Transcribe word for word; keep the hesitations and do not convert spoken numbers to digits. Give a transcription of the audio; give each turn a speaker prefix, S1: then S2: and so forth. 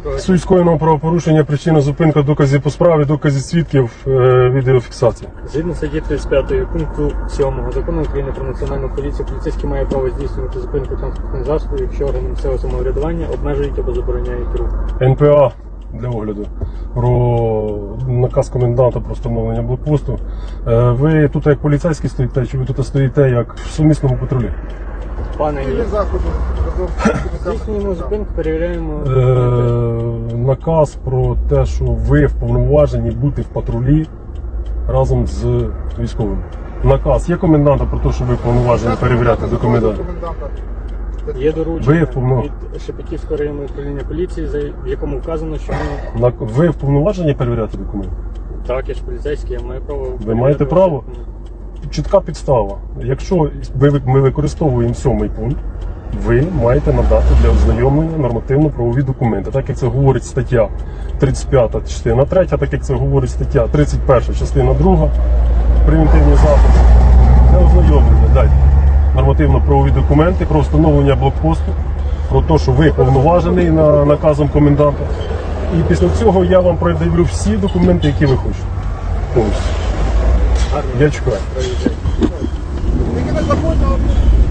S1: Суть скоєного правопорушення, причина зупинка, доказів по справі, доказів свідків, е, відеофіксація.
S2: Згідно статті тридцять п'ять пункту сьомого закону України про національну поліцію, поліцейський має право здійснювати зупинку транспортних засобів, якщо органи місцевого самоврядування обмежують або забороняють рух.
S1: ен пе а для огляду про наказ коменданта про встановлення блокпосту. Е, ви тут як поліцейські стоїте, чи ви тут стоїте як в сумісному патрулі?
S2: Пане Ілля, здійснюємо зупинку, перевіряємо.
S1: Е, наказ про те, що ви вповноважені бути в патрулі разом з військовим. Наказ є коменданта про те, що ви вповноважені перевіряти документи.
S2: Є
S1: Ви
S2: доручення
S1: вповнов-
S2: від Шепетівського районного управління поліції, за- в якому вказано, що ми...
S1: На- Ви вповноважені перевіряти документи?
S2: Так, я ж поліцейський, я маю право...
S1: Ви
S2: перевіряти
S1: маєте
S2: ваші
S1: право?
S2: документи.
S1: Чітка підстава. Якщо ви- ми використовуємо сьомий пункт, ви маєте надати для ознайомлення нормативно-правові документи. Так як це говорить стаття тридцять п'ята частина третя, так як це говорить стаття тридцять перша частина друга, превентивні заходи. Для ознайомлення далі. Нормативно-правові документи про встановлення блокпосту, про те, що ви повноважений на наказом коменданта. І після цього я вам продивлю всі документи, які ви хочете. Повністю.
S2: Гарно.
S1: Я чекаю.
S2: Проїжджайте.
S3: Тільки не забудьте.